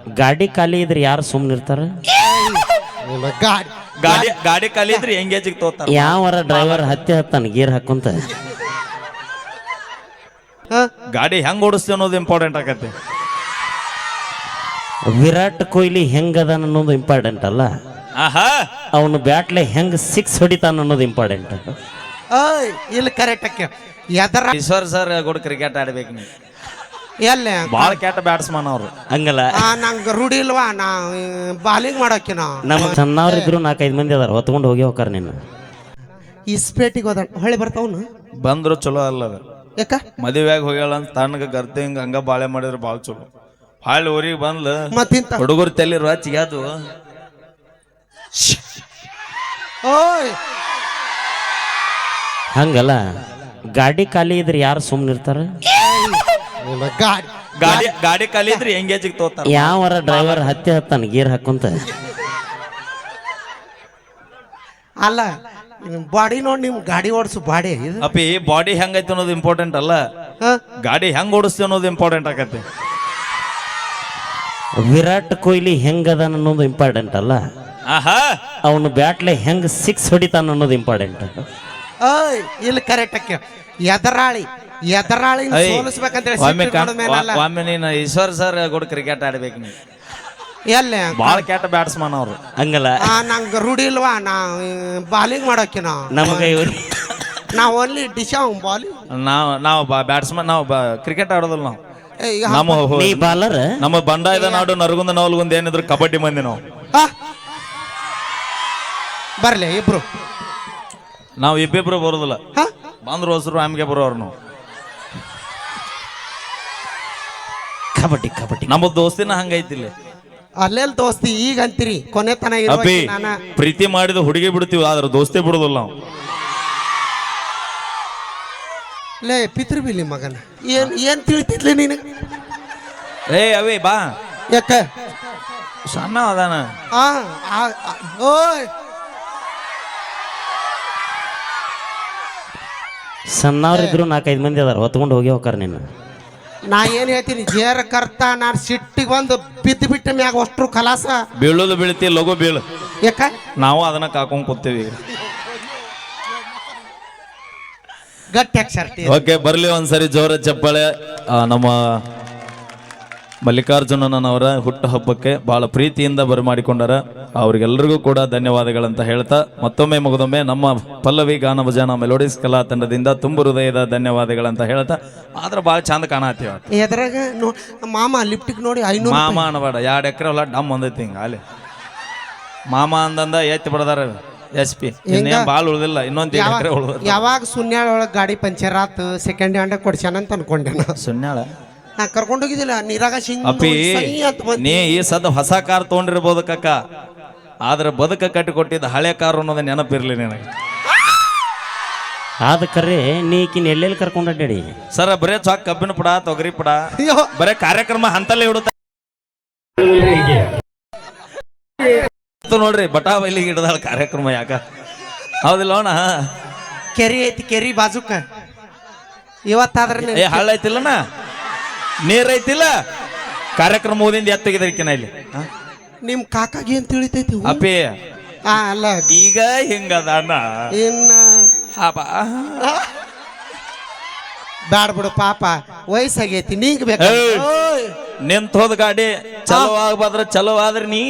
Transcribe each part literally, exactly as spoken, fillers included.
ಗಾಡಿ ಖಾಲಿ ಇದ್ರೆ ಯಾರು ಸುಮ್ಮನೆ ಇರ್ತಾರ? ಗಾಡಿ ಗಾಡಿ ಗಾಡಿ ಖಾಲಿ ಇದ್ರೆ ಎಂಗೇಜಿಗೆ ತೋತಾರ. ಯಾವರ ಡ್ರೈವರ್ ಹತ್ತಿ ಹತ್ತಾನ ಗೀರ್ ಹಾಕೊಂತ. ಗಾಡಿ ಹೆಂಗ್ ಓಡಿಸ್ತೀವಿ ಅನ್ನೋದು ಇಂಪಾರ್ಟೆಂಟ್ ಆಗತ್ತೆ. ವಿರಾಟ್ ಕೊಹ್ಲಿ ಹೆಂಗದ ಅನ್ನೋದು ಇಂಪಾರ್ಟೆಂಟ್ ಅಲ್ಲ, ಆಹಾ ಅವನು ಬ್ಯಾಟ್ಲೆ ಹೆಂಗ್ ಸಿಕ್ಸ್ ಹೊಡಿತಾನ ಅನ್ನೋದು ಇಂಪಾರ್ಟೆಂಟ್. ಓಯ್ ಇಲ್ಲಿ ಕರೆಕ್ಟ್ ಆಕೆ ಎದರ ಈಶ್ವರ್ ಸರ್ ಕೂಡ ಕ್ರಿಕೆಟ್ ಆಡ್ಬೇಕು ನೀವು. ಎಲ್ಲ ಬಾಳ ಕೆಟ್ಟ ಬ್ಯಾಟ್ಸ್ಮನ್ ಅವ್ರು. ಹಂಗಲ್ಲ, ನಂಗೆ ರೂಢಿ ಇಲ್ವಾ ನಾ ಬಾಲಿಂಗ್ ಮಾಡೋಕೆ ನಾ ನಮ್ಮ ಸಣ್ಣವ್ರಿದ್ರು ನಾಲ್ಕೈದು ಮಂದಿ ಅದಾರ, ಹೊತ್ಕೊಂಡು ಹೋಗಿ ಹೋಗಾರ. ನಿನ್ನ ಇಸ್ಪೇಟಿಗೆ ಹೋದ ಹೊಳೆ ಬರ್ತಾವನು ಬಂದ್ರು ಚಲೋ ಅಲ್ಲ ಅದು. ಯಾಕ ಮದುವೆಯಾಗ ಹೋಗ್ಯಾಳ ಅಂತ ತಣ್ಣಗ ಗರ್ತಿ ಹಿಂಗ ಹಂಗ ಬಾಳೆ ಮಾಡಿದ್ರೆ ಬಾಳ ಚಲೋ. ಹಾಳು ಊರಿಗೆ ಬಂದ್ಲ ಮತ್ತಿಂತ ಹುಡುಗರು ತೆಲಿರುವ ಚಿಗಾದು. ಓಯ್ ಹಂಗಲ್ಲ, ಗಾಡಿ ಖಾಲಿ ಇದ್ರೆ ಯಾರು ಸುಮ್ಮನೆ ಇರ್ತಾರ? ಗಾಡಿ ಗಾಡಿ ಗಾಡಿ ಖಾಲಿ ಇದ್ರೆ ಎಂಗೇಜಿಗೆ ತೋತಾರ. ಯಾವರ ಡ್ರೈವರ್ ಹತ್ತಿ ಹತ್ತಾನ ಗೀರ್ ಹಾಕೊಂತ. ಅಲ್ಲ ಬಾಡಿ ನೋಡಿ ನಿಮ್ ಗಾಡಿ ಓಡಿಸು ಬಾಡಿ ಇದು ಅಪ್ಪಿ ಬಾಡಿ ಹೆಂಗೈತೆ ಅನ್ನೋದು ಇಂಪಾರ್ಟೆಂಟ್ ಅಲ್ಲ, ಹ? ಗಾಡಿ ಹೆಂಗ್ ಓಡಿಸ್ತೀವಿ ಅನ್ನೋದು ಇಂಪಾರ್ಟೆಂಟ್ ಆಗತ್ತೆ. ವಿರಾಟ್ ಕೊಹ್ಲಿ ಹೆಂಗದ ಅನ್ನೋದು ಇಂಪಾರ್ಟೆಂಟ್ ಅಲ್ಲ, ಆಹಾ ಅವನು ಬ್ಯಾಟ್ಲೆ ಹೆಂಗ್ ಸಿಕ್ಸ್ ಹೊಡಿತಾನ ಅನ್ನೋದು ಇಂಪಾರ್ಟೆಂಟ್. ಓಯ್ ಇಲ್ಲಿ ಕರೆಕ್ಟ್ ಆಕೆ ಎದರಾಳಿ ಎದರಾಳಿ ಐ, ಸೋಲಿಸ್ಬೇಕಂತೇಳಿ ಒಮ್ಮೆ ಸಿಟ್ಟು ಕಣ್- ಹಿಡ್ಕೊಂಡ್ ಮೇಲಲ್ಲ. ಒ- ಒಮ್ಮೆ ನೀನು ಈಶ್ವರ್ ಸರ್ ಕೂಡ ಕ್ರಿಕೆಟ್ ಆಡ್ಬೇಕು ನೀವು. ಎಲ್ಲಿ ಬಾಳ ಕೆಟ್ಟ ಬ್ಯಾಟ್ಸ್ಮನ್ ಅವ್ರು. ಹಂಗಲ್ಲ, ಆ, ನಂಗೆ ರೂಢಿ ಇಲ್ವಾ ನಾ ಬಾಲಿಂಗ್ ಮಾಡೋಕೆ ನಾ ನಮಗೆ ಇವ್ರು ನಾ ಓನ್ಲಿ ಡಿಶ್ ಬಾಲಿಂಗ್ ನಾವು ನಾವು ಬ್ಯಾಟ್ಸ್ಮನ್ ನಾವು ಕ್ರಿಕೆಟ್ ಆಡೋದಿಲ್ಲ ನಾವು. ನಮ್ಮ ಹೋ- ನೀ ಬಾಲರ್. ನಮ್ಮ ಬಂಡಾಯದ ನಾಡು ನರಗುಂದ ನವಲ್ಗುಂದ ಏನಿದ್ರು ಕಬಡ್ಡಿ ಮಂದಿ ನಾವು. ಬರ್ಲಿ ಇಬ್ರು ನಾವು ಇಬ್ಬಿಬ್ರು ಬರೋದಿಲ್ಲ, ಹ? ಬಂದ್ರು ಹೊಸರು ಆಮ್ಗೆ ಬರೋರು ನಾವು. ಕಬಡ್ಡಿ ಕಬಡ್ಡಿ ನಮ್ಮ ದೋಸ್ತಿನ ಹಂಗೈತಿಲ್ಲ. ಅಲ್ಲೆಲ್ ದೋಸ್ತಿ ಈಗ ಅಂತೀರಿ ಕೊನೆ ತನ ಅಪ್ಪಿ ನಾನ ಪ್ರೀತಿ ಮಾಡಿದ ಹುಡುಗಿ ಬಿಡ್ತೀವಿ, ಆದ್ರೆ ದೋಸ್ತಿ ಬಿಡುದಿಲ್ಲ ನಾವು. ಲೇ ಪಿತೃ ಬಿಲಿ ಮಗನ ಏನ್ ಏನ್ ತಿಳಿತಿದ್ಲಿ ನೀನು ಏ ಅವೇ ಬಾ ಯಾಕ ಸಣ್ಣ ಅದಾನ. ಆ ಆ, ಆ, ಓಯ್ ಸಣ್ಣವ್ರಿದ್ರು ನಾಲ್ಕೈದು ಮಂದಿ ಅದಾರ, ಹೊತ್ಕೊಂಡು ಹೋಗಿ ಹೋಗಾರ. ನಿನ್ನ ನಾ ಏನ್ ಹೇಳ್ತೀನಿ ಜೇರ ಕರ್ತ ನಾನು ಸಿಟ್ಟಿಗೆ ಬಂದು ಬಿದ್ದು ಬಿಟ್ಟ ಮ್ಯಾಗ ಅಷ್ಟ್ರು ಕಲಾಸ ಬೀಳೋದು ಬೀಳ್ತಿ ಲಘು ಬೀಳು. ಯಾಕ ನಾವು ಅದನ್ನ ಕಾಕೊಂಡ್ ಕೂತೀವಿ. ಗಟ್ಟಿ ಶರ್ಟಿ ಓಕೆ ಬರ್ಲಿ ಒಂದ್ಸರಿ ಜೋರ ಚಪ್ಪಾಳೆ. ಆ, ನಮ್ಮ ಮಲ್ಲಿಕಾರ್ಜುನನವರ ಹುಟ್ಟು ಹಬ್ಬಕ್ಕೆ ಬಹಳ ಪ್ರೀತಿಯಿಂದ ಬರಮಾಡಿಕೊಂಡಾರ. ಅವ್ರಿಗೆಲ್ಲರಿಗೂ ಕೂಡ ಧನ್ಯವಾದಗಳಂತ ಹೇಳ್ತಾ ಮತ್ತೊಮ್ಮೆ ಮಗದೊಮ್ಮೆ ನಮ್ಮ ಪಲ್ಲವಿ ಗಾನ ಭಜನ ಮೆಲೋಡಿಸ್ ಕಲಾ ತಂಡದಿಂದ ತುಂಬ ಹೃದಯದ ಧನ್ಯವಾದಗಳಂತ ಹೇಳ್ತಾ. ಆದ್ರೆ ಭಾಳ ಚಂದ ಕಾಣತ್ತೀವ. ಎದ್ರಾಗ ನೋ ಮಾಮ ಲಿಫ್ಟಿಗೆ ನೋಡಿ ಐನೂರು ಮಾಮ ಅನ್ನಬೇಡ, ಎರಡು ಎಕರೆ ಹೊಲ ಡಮ್ ಒಂದೈತಿ ಹಿಂಗ ಅಲ್ಲಿ ಮಾಮ ಅಂದಂದ ಎತ್ತಿ ಬಿಡದಾರ ಎಸ್ ಪಿ. ಇನ್ನೇನ್ ಭಾಳ ಉಳ್ದಿಲ್ಲ, ಇನ್ನೊಂದು ಎಕರೆ ಉಳ್ದ. ಯಾವಾಗ ಸುನ್ಯಾಳ ಒಳಗೆ ಗಾಡಿ ಪಂಚರ್ ಆತು ಸೆಕೆಂಡ್ ಹ್ಯಾಂಡ್ ಕೊಡ್ಸ್ಯಾನ ಅಂತ ಅನ್ಕೊಂಡೆ ನಾ ಸುನ್ಯಾಳ ನಾ ಕರ್ಕೊಂಡು ಹೋಗಿದ್ದಿಲ್ಲ ನೀರಾಗ ಸಿಂಗ್ ಅಪ್ಪಿ ನೀ ಈ ಸದ ಹೊಸ ಕಾರ್ ತೊಗೊಂಡಿರ್ಬೋದು ಕಕ್ಕ, ಆದ್ರೆ ಬದುಕ ಕಟ್ಟಿ ಕೊಟ್ಟಿದ್ದ ಹಳೆ ಕಾರು ಅನ್ನೋದು ನೆನಪಿರ್ಲಿ ನಿನಗೆ. ಆದ ಕರೆ ನೀಕಿನ ಎಲ್ಲೆಲ್ಲಿ ಕರ್ಕೊಂಡು ಅಡ್ಡಾಡಿ ಸರ ಬರೇ ಚಾಕ್ ಕಬ್ಬಿನ ಪುಡ ತೊಗರಿ ಪುಡ ಅಯ್ಯೋ ಬರೇ ಕಾರ್ಯಕ್ರಮ ಹಂತಲ್ಲೇ ಇಡುತ್ತ ನೋಡ್ರಿ. ಬಟಾ ಬೈಲಿಗೆ ಹಿಡ್ದಾಳ ಕಾರ್ಯಕ್ರಮ ಯಾಕ ಹೌದಿಲ್ಲ ಅಣ್ಣ? ಕೆರಿ ಐತಿ ಕೆರಿ ಬಾಜುಕ ಇವತ್ತಾದ್ರೆ ಏ ಹಳ್ಳ ಐತಿಲ್ಲಣ್ಣ, ನೀರ್ ಐತಿಲ್ಲ, ಕಾರ್ಯಕ್ರಮ ಓದಿಂದ ಎತ್ತಗಿದ್ರಕಿನ ಇಲ್ಲಿ ಹ? ನಿಮ್ ಕಾಕಾಗಿ ಏನ್ ತಿಳಿತೈತಿ ಅಪ್ಪಿ ಆ ಅಲ್ಲ ಈಗ ಹಿಂಗದ ಅಣ್ಣ. ಇನ್ನ ಹಾಪ ಬ್ಯಾಡ ಬಿಡು ಪಾಪ ವಯಸ್ಸಾಗೈತಿ ನೀಗ್ ಬೇಕು ಏಯ್! ನಿಂತ ಹೋದ ಗಾಡಿ ಚಲೋ ಆಗ್ಬಾದ್ರ ಚಲೋ ಆದ್ರೆ ನೀ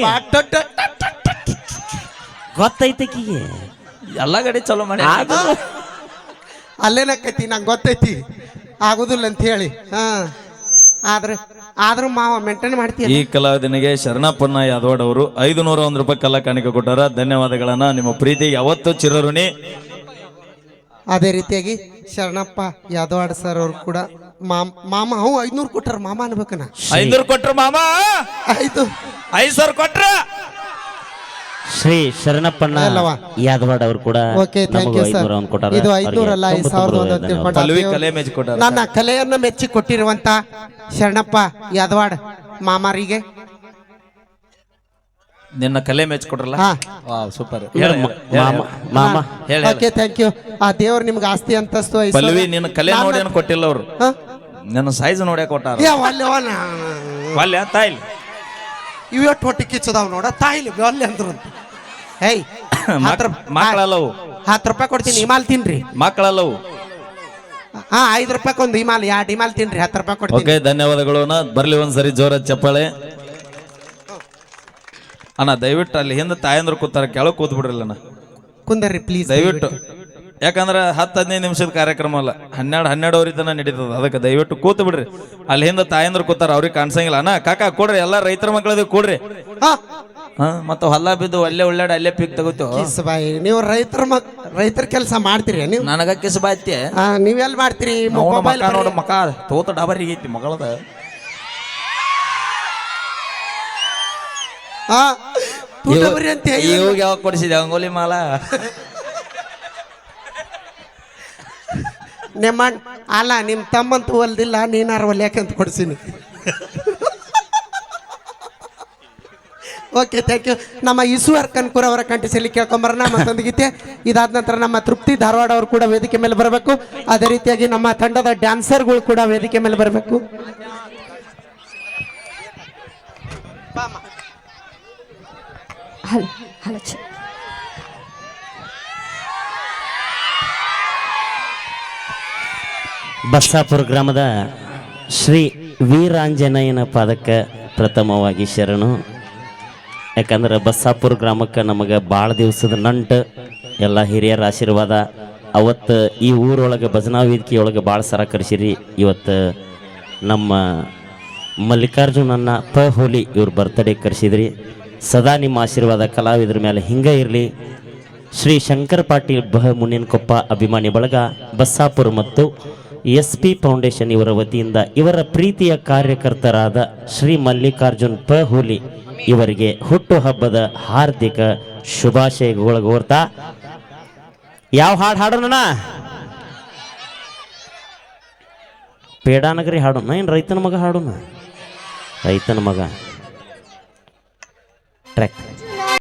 ಗೊತ್ತೈತಕಿಗೆ ಎಲ್ಲಾ ಗಾಡಿ ಚಲೋ ಮಾಡಿ ಅಲ್ಲೇನಕ್ಕೈತಿ ನಂಗೆ ಗೊತ್ತೈತಿ ಆಗುದಿಲ್ಲ ಅಂತ ಹೇಳಿ ಹಾ ಆದ್ರೆ ಆದ್ರೂ ಮಾವ ಮೇಂಟೈನ್ ಮಾಡ್ತೀಯ ಈ ಕಲಾವಿದನಿಗೆ ಶರಣಪ್ಪನ ಯಾದವಾಡ್ ಅವರು ಐದು ನೂರ ಒಂದ್ ರೂಪಾಯಿ ಕಲಾ ಕಾಣಿಕೆ ಕೊಟ್ಟಾರ. ಧನ್ಯವಾದಗಳನ್ನ. ನಿಮ್ಮ ಪ್ರೀತಿಗೆ ಯಾವತ್ತೂ ಚಿರಋಣಿ. ಅದೇ ರೀತಿಯಾಗಿ ಶರಣಪ್ಪ ಯಾದವಾಡ್ ಸರ್ ಅವ್ರು ಕೂಡ ಮಾಮ ಮಾಮ ಅವು ಐದ್ನೂರು ಕೊಟ್ಟಾರ ಮಾಮ ಅನ್ಬೇಕನ ಐನೂರು ಕೊಟ್ರ ಮಾಮ, ಐದು ಐದ್ ಸಾವಿರ ಕೊಟ್ರ ಶ್ರೀ ಶರಣಪ್ಪಣ್ಣ ಅಲ್ಲವಾ? ಯಾದವಾಡ್ ಅವರು ಕೂಡ ಓಕೆ ಥ್ಯಾಂಕ್ ಯು ಸರ್. ಇದು ಐದ್ನೂರ ಅಲ್ಲ ಐದು ಸಾವಿರದ ಒಂದು ತಿಳ್ಕೊಂಡು ಪಲ್ವಿ ಕಲೆ ಮೆಚ್ಚಿ ಕೊಟ್ಟಾರ. ನನ್ನ ಕಲೆಯನ್ನು ಮೆಚ್ಚಿ ಕೊಟ್ಟಿರುವಂತ ಶರಣಪ್ಪ ಯಾದವಾಡ್ ಮಾಮಾರಿಗೆ ನಿನ್ನ ಕಲೆ ಮೆಚ್ಚಿ ಕೊಟ್ರಲ್ಲ, ಹಾ ಸೂಪರ್. ಮಾಮ ಮಾಮ ಹೇಳಿ ಓಕೆ ಥ್ಯಾಂಕ್ ಯು. ಆ ದೇವ್ರು ನಿಮ್ಗೆ ಆಸ್ತಿ ಅಂತಸ್ತು ಐಶ್ವರ್ಯ- ಪಲ್ವಿ ನಿನ್ನ ಕಲೆ ನೋಡಿ ಏನು ಕೊಟ್ಟಿಲ್ಲ ಅವರು, ಹಾ? ನನ್ನ ಸೈಜ್ ನೋಡ್ಯಾಕ ಕೊಟ್ಟಾರ. ಏ, ಒಲ್ಲೆ ಒಲ್ಲೆ. ಅಲ್ಲ ತಾಯಿಲ್ ಇವತ್ತು ಹೊಟ್ಟೆ ಕಿಚ್ಚದಾವ್ ನೋಡ ತಾಯಿಲಿ ಅಲ್ಲಿ ಅಂದ್ರು ಅಂತ ಏಯ್ ಹತ್ತು ಮಕ್ಕಳಲ್ಲವು ಹತ್ತು ರೂಪಾಯಿ ಕೊಡ್ತೀನಿ ಹಿಮಾಲ್ ತಿನ್ರಿ ಮಕ್ಕಳಲ್ಲವು ಹಾ ಐದು ರೂಪಾಯಿ ಒಂದು ಹಿಮಾಲ್ ಎರಡು ಹಿಮಾಲ್ ತಿನ್ರಿ ಹತ್ತು ರೂಪಾಯಿ ಕೊಡ್ತೀನಿ ಓಕೆ ಧನ್ಯವಾದಗಳು ಅಣ್ಣ ಬರ್ಲಿ ಒಂದ್ಸರಿ ಜೋರ ಚಪ್ಪಾಳೆ ಅಣ್ಣ ದಯವಿಟ್ಟು ಅಲ್ಲಿ ಹಿಂದೆ ತಾಯಂದ್ರು ಕೂತಾರ ಕೆಳಗೆ ಕೂತ್ ಬಿಡ್ರಲ್ಲ ಅಣ್ಣ ಕುಂದರ್ರಿ ಪ್ಲೀಸ್ ದಯವಿಟ್ಟು ಯಾಕಂದ್ರೆ ಹತ್ತು ಹದಿನೈದು ನಿಮಿಷದ ಕಾರ್ಯಕ್ರಮ ಅಲ್ಲ ಹನ್ನೆರಡು ಹನ್ನೆರಡುವರೆ ತನ ನಡೀತದ ಅದಕ್ಕೆ ದಯವಿಟ್ಟು ಕೂತು ಬಿಡ್ರಿ ಅಲ್ಲಿ ಹಿಂದೆ ತಾಯಂದ್ರು ಕೂತಾರ ಅವ್ರಿಗೆ ಕಾಣಿಸಂಗಿಲ್ಲ ಅಣ್ಣ ಕಾಕ ಕೊಡ್ರಿ ಎಲ್ಲಾ ರೈತರ ಮಕ್ಕಳದ ಕೊಡ್ರಿ ಹಾ ಮತ್ತೆ ಹೊಲ ಬಿದ್ದು ಅಲ್ಲೇ ಒಳ್ಳೆ ಅಲ್ಲೇ ಪಿಕ್ ತಗೋತೀವಿ ಕಿಸ್ಬಾಯಿ ನೀವು ರೈತರ ಮಕ್ ರೈತರ ಕೆಲಸ ಮಾಡ್ತೀರಿ ನೀವು ನನಗ ಕಿಸ್ಬಾಯ್ತಿ ನೀವೆಲ್ಲಿ ಮಾಡ್ತೀರಿ ಮೊಬೈಲ್ ನೋಡು ಮಕ ತೋತ ಡಬರಿಗೆ ಐತಿ ಮಗಳದ ಹಾ ತೂಟಬರಿ ಅಂತ ಇವಾಗ ಯಾವಾಗ ಕೊಡಿಸಿದೆ ಅಂಗೋಲಿ ಮಾಲ ನಿಮ್ಮ ಅಲ್ಲ ನಿಮ್ಮ ತಮ್ಮಂತೂ ಹೊಲ್ದಿಲ್ಲ ನೀನಾರ ಹೊಲ್ಯಾಕಂತ ಕೊಡ್ಸೀನಿ ಓಕೆ ಥ್ಯಾಂಕ್ ಯು ನಮ್ಮ ಈಶ್ವರ್ ಕನ್ಕೂರ್ ಅವರ ಕಂಠಿಸಲಿ ಕೇಳ್ಕೊಂಬರೋಣ ಮತ್ತೊಂದು ಗೀತೆ ಇದಾದ ನಂತರ ನಮ್ಮ ತೃಪ್ತಿ ಧಾರವಾಡ ಅವರು ಕೂಡ ವೇದಿಕೆ ಮೇಲೆ ಬರಬೇಕು ಅದೇ ರೀತಿಯಾಗಿ ನಮ್ಮ ತಂಡದ ಡ್ಯಾನ್ಸರ್ಗಳು ಕೂಡ ವೇದಿಕೆ ಮೇಲೆ ಬರಬೇಕು ಬಸ್ಸಾಪುರ ಗ್ರಾಮದ ಶ್ರೀ ವೀರಾಂಜನೇಯನ ಪಾದಕ್ಕೆ ಪ್ರಥಮವಾಗಿ ಶರಣು ಯಾಕಂದ್ರೆ ಬಸ್ಸಾಪುರ ಗ್ರಾಮಕ್ಕೆ ನಮಗೆ ಭಾಳ ದಿವಸದ ನಂಟು ಎಲ್ಲ ಹಿರಿಯರ ಆಶೀರ್ವಾದ ಅವತ್ತು ಈ ಊರೊಳಗೆ ಭಜನಾ ವೇದಿಕೆಯೊಳಗೆ ಭಾಳ ಸರ ಕರೆಸಿರಿ ಇವತ್ತು ನಮ್ಮ ಮಲ್ಲಿಕಾರ್ಜುನನ್ನ ಪ ಹೋಲಿ ಇವ್ರ ಬರ್ತ್ಡೇ ಕರೆಸಿದ್ರಿ ಸದಾ ನಿಮ್ಮ ಆಶೀರ್ವಾದ ಕಲಾವಿದ್ರ ಮೇಲೆ ಹಿಂಗೆ ಇರಲಿ ಶ್ರೀ ಶಂಕರ್ ಪಾಟೀಲ್ ಬಹ ಮುನ್ನಿನಕೊಪ್ಪ ಅಭಿಮಾನಿ ಬಳಗ ಬಸ್ಸಾಪುರ ಮತ್ತು ಎಸ್ ಪಿ ಫೌಂಡೇಶನ್ ಇವರ ವತಿಯಿಂದ ಇವರ ಪ್ರೀತಿಯ ಕಾರ್ಯಕರ್ತರಾದ ಶ್ರೀ ಮಲ್ಲಿಕಾರ್ಜುನ್ ಪ ಹುಲಿ ಇವರಿಗೆ ಹುಟ್ಟುಹಬ್ಬದ ಹಾರ್ದಿಕ ಶುಭಾಶಯಗಳು ಕೋರ್ತಾ ಯಾವ ಹಾಡು ಹಾಡೋಣ ಪೇಡಾನಗರಿ ಹಾಡೋಣ ಏನು ರೈತನ ಮಗ ಹಾಡೋಣ ರೈತನ ಮಗ ಟ್ರ್ಯಾಕ್